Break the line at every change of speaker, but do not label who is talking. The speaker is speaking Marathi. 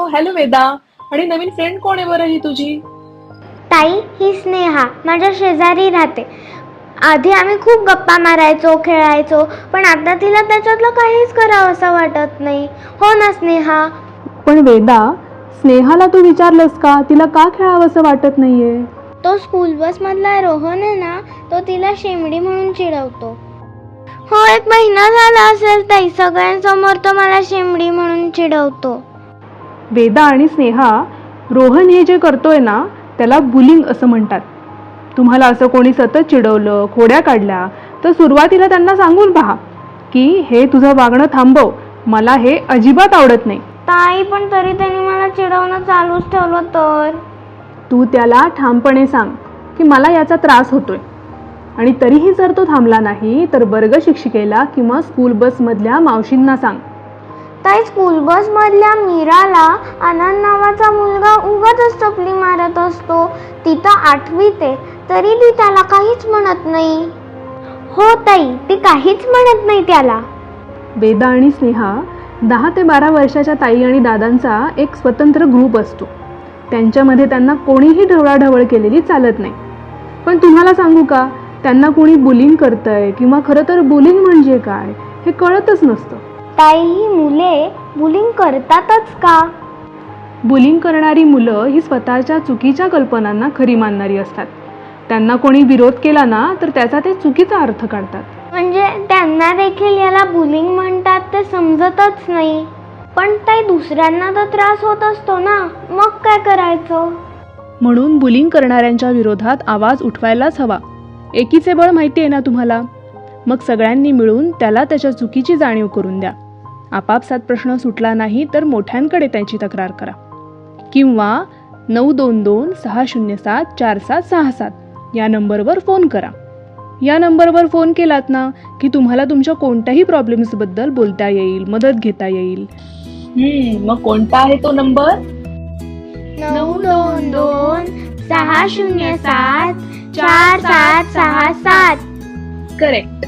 हॅलो वेदा. आणि नवीन फ्रेंड कोण आहे बरं ही तुझी?
ताई, ही स्नेहा माझ्या शेजारी राहते. आधी आम्ही खूप गप्पा मारायचो, खेळायचो, पण आता तिला त्याच्यातलं काहीच करावं असं वाटत नाही. हो ना स्नेहा?
पण वेदा, स्नेहाला तू विचारलंस का तिला का खेळावंसं वाटत नाहीये?
तो स्कूल बस मधला रोहन आहे ना, तो तिला शेमडी म्हणून चिडवतो. हो, 1 महिना झाला असेल ताई, सगळ्यांसमोर तो मला शेमडी म्हणून चिडवतो.
वेदा आणि स्नेहा, रोहन हे जे करतोय ना त्याला बुलिंग असं म्हणतात. तुम्हाला असं कोणी सतत चिडवलं, खोड्या काढल्या तर सुरुवातीला त्यांना सांगून पहा की हे तुझं वागणं थांबव, मला हे अजिबात आवडत नाही.
ताई, पण तरी त्यांनी मला चिडवणं चालूच ठेवलं तर?
तू त्याला ठामपणे सांग की मला याचा त्रास होतोय, आणि तरीही जर तो थांबला नाही तर वर्ग शिक्षिकेला किंवा स्कूल बसमधल्या मावशींना सांग.
ताई, स्कूल बस मधल्या मीराला आनंद नावाचा मुलगा उगाच चपली मारत असतो. ती तर 8वीत आहे, तरी ती त्याला काहीच म्हणत नाही. हो ताई, ती काहीच म्हणत नाही त्याला.
वेदा आणि स्नेहा, 10 ते 12 वर्षाच्या ताई आणि दादांचा एक स्वतंत्र ग्रुप असतो. त्यांच्यामध्ये त्यांना कोणीही ढवळाढवळ केलेली चालत नाही. पण तुम्हाला सांगू का, त्यांना कोणी बुलिंग करतंय किंवा खरं तर बुलिंग म्हणजे काय हे कळतच नसतं.
ताई, ही मुले बुलिंग करतातच का?
बुलिंग करणारी मुलं ही स्वतःच्या चुकीच्या कल्पनांना खरी मानणारी असतात. त्यांना कोणी विरोध केला ना तर त्याचा ते चुकीचा अर्थ काढतात.
म्हणजे त्यांना देखील याला बुलिंग म्हणतात ते समजतच नाही. पण ताई, दुसऱ्यांना तर त्रास होत असतो ना, मग काय करायचं?
म्हणून बुलिंग करणाऱ्यांच्या विरोधात आवाज उठवायलाच हवा. एकीचे बळ माहिती आहे ना तुम्हाला. मग सगळ्यांनी मिळून त्याला त्याच्या चुकीची जाणीव करून द्या. आपापसात प्रश्न सुटला नाही तर मोठ्यांकडे त्यांची तक्रार करा किंवा 922-607-4767 या नंबरवर फोन करा. या नंबरवर फोन केलात ना की तुम्हाला तुमच्या कोणत्याही प्रॉब्लेम्सबद्दल बोलता येईल, मदत घेता येईल.
मग कोणता आहे तो नंबर?
922-607-4767.
करेक्ट.